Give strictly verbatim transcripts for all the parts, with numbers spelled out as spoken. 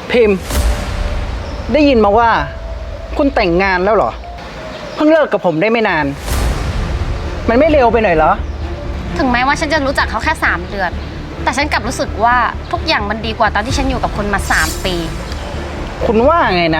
พิมพ์ได้ยินมาว่าคุณแต่งงานแล้วเหรอเพิ่งเลิกกับผมได้ไม่นานมันไม่เร็วไปหน่อยเหรอถึงแม้ว่าฉันจะรู้จักเขาแค่สามเดือนแต่ฉันกลับรู้สึกว่าทุกอย่างมันดีกว่าตอนที่ฉันอยู่กับคุณมาสามปีคุณว่าไงนะ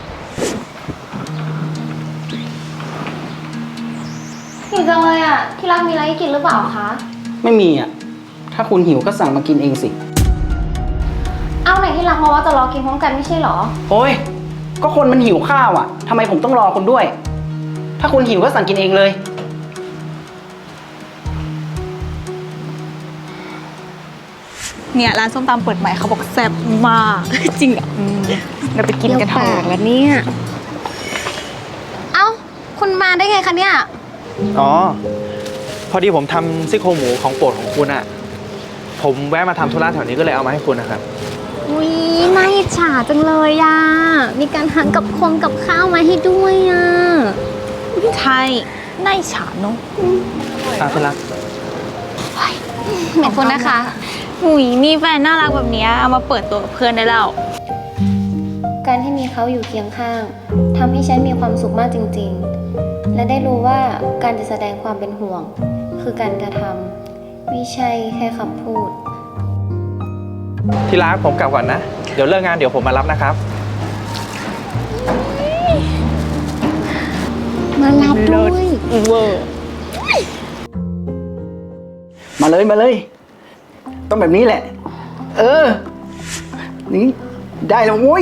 หิวจังเลยอ่ะที่รักมีอะไรให้กินหรือเปล่าคะไม่มีอ่ะถ้าคุณหิวก็สั่งมากินเองสิเอาไหนที่รักมาว่าจะรอกินพร้อมกันไม่ใช่หรอโอ้ยก็คนมันหิวข้าวอ่ะทำไมผมต้องรอคุณด้วยถ้าคุณหิวก็สั่งกินเองเลยเนี่ยร้านส้มตำเปิดใหม่เขาบอกแซ่บมากจริงอ่ะเราไปกินกันเถอะแล้วเนี่ยเอ้าคุณมาได้ไงคะเนี่ยอ๋อพอดีผมทำซี่โครงหมูของโปรดของคุณอะผมแวะมาทำธุระแถวนี้ก็เลยเอามาให้คุณนะครับอุ้ยน่าอิจฉาจังเลยอ่ะมีการหั่นกับคงกับข้าวมาให้ด้วยอ่ะใช่น่าอิจฉาเนาะตามที่รักขอบคุณนะคะหุยมีแฟนน่ารักแบบนี้เอามาเปิดตัวกับเพื่อนได้แล้วการที่มีเขาอยู่เคียงข้างทำให้ฉันมีความสุขมากจริงๆและได้รู้ว่าการจะแสดงความเป็นห่วงคือการกระทำไม่ใช่แค่คำพูดที่รักผมกลับก่อนนะเดี๋ยวเลิกงานเดี๋ยวผมมารับนะครับมารับด้วยเวอร์มาเลยมาเลยต้องแบบนี้แหละเออนี่ได้แล้วโว้ย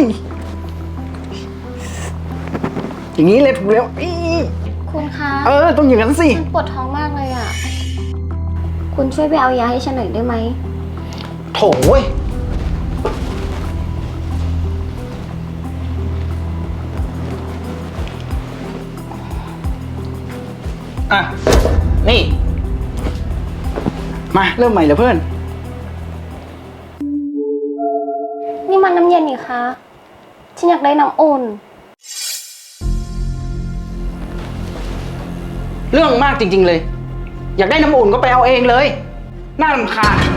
อย่างนี้เลยถูกแล้วคุณคะเออต้องอย่างนั้นสิฉันปวดท้องมากเลยอ่ะคุณช่วยไปเอายาให้ฉันหน่อยได้ไหมโถ่เว้ยอ่ะนี่มาเริ่มใหม่เลยเพื่อนนี่มันน้ำเย็นนี่คะฉันอยากได้น้ำอุ่นเรื่องมากจริงๆเลยอยากได้น้ำอุ่นก็ไปเอาเองเลยน่ารำคาญ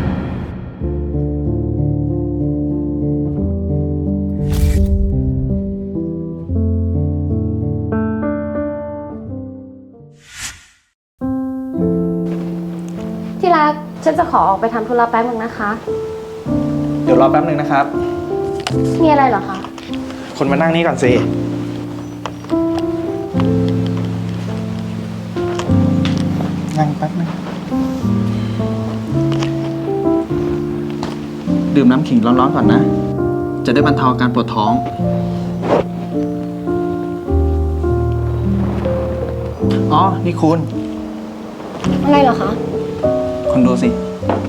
ที่รักฉันจะขอออกไปทำธุระแป๊บนึงนะคะเดี๋ยวรอแป๊บนึงนะครับมีอะไรเหรอคะคนมานั่งนี่ก่อนสินั่งแป๊บนึงดื่มน้ำขิงร้อนๆก่อนนะจะได้บรรเทาอาการปวดท้องอ๋อนี่คุณอะไรเหรอคะคุณดูสิ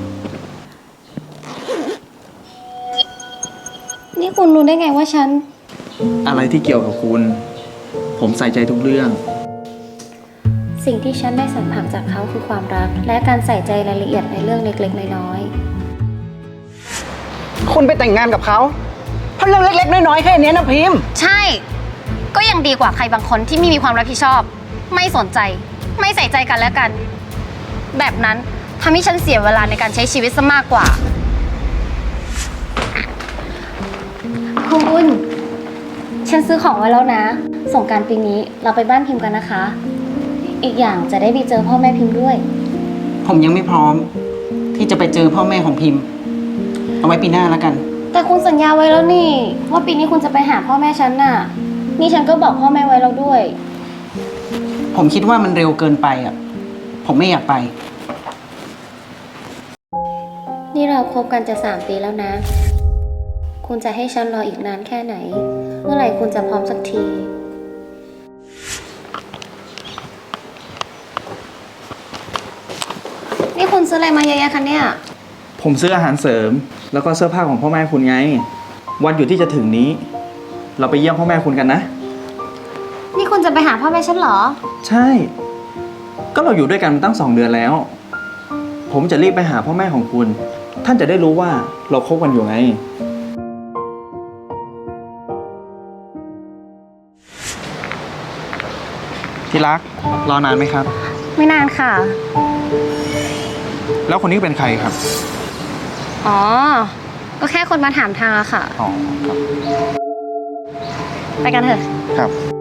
นี่คุณรู้ได้ไงว่าฉันอะไรที่เกี่ยวกับคุณผมใส่ใจทุกเรื่องสิ่งที่ฉันได้สัมผัสจากเขาคือความรักและการใส่ใจรายละเอียดในเรื่องเล็กๆน้อยๆคุณไปแต่งงานกับเขาเพราะเรื่องเล็กๆน้อยๆแค่นี้นะพิมพ์ใช่ก็ยังดีกว่าใครบางคนที่ไม่มีความรับผิดชอบไม่สนใจไม่ใส่ใจกันและกันแบบนั้นทำให้ฉันเสียเวลาในการใช้ชีวิตซะมากกว่าคุณฉันซื้อของไว้แล้วนะสงกรานต์ปีนี้เราไปบ้านพิมพ์กันนะคะอีกอย่างจะได้ไปเจอพ่อแม่พิมพ์ด้วยผมยังไม่พร้อมที่จะไปเจอพ่อแม่ของพิมพ์เอาไว้ปีหน้าแล้วกันแต่คุณสัญญาไว้แล้วนี่ว่าปีนี้คุณจะไปหาพ่อแม่ฉันน่ะนี่ฉันก็บอกพ่อแม่ไว้แล้วด้วยผมคิดว่ามันเร็วเกินไปอ่ะผมไม่อยากไปนี่เราคบกันจะสามปีแล้วนะคุณจะให้ฉันรออีกนานแค่ไหนเมื่อไหร่คุณจะพร้อมสักทีนี่คุณซื้ออะไรมาเยอะแยะคะเนี่ยผมซื้ออาหารเสริมแล้วก็เสื้อผ้าของพ่อแม่คุณไงวันหยุดที่จะถึงนี้เราไปเยี่ยมพ่อแม่คุณกันนะนี่คุณจะไปหาพ่อแม่ฉันเหรอใช่ก็เราอยู่ด้วยกันมาตั้งสองเดือนแล้วผมจะรีบไปหาพ่อแม่ของคุณท่านจะได้รู้ว่าเราคบกันอยู่ไงที่รักรอนานไหมครับไม่นานค่ะแล้วคนนี้เป็นใครครับอ๋อก็แค่คนมาถามทางอะค่ะอ๋อ ครับไปกันเถอะครับ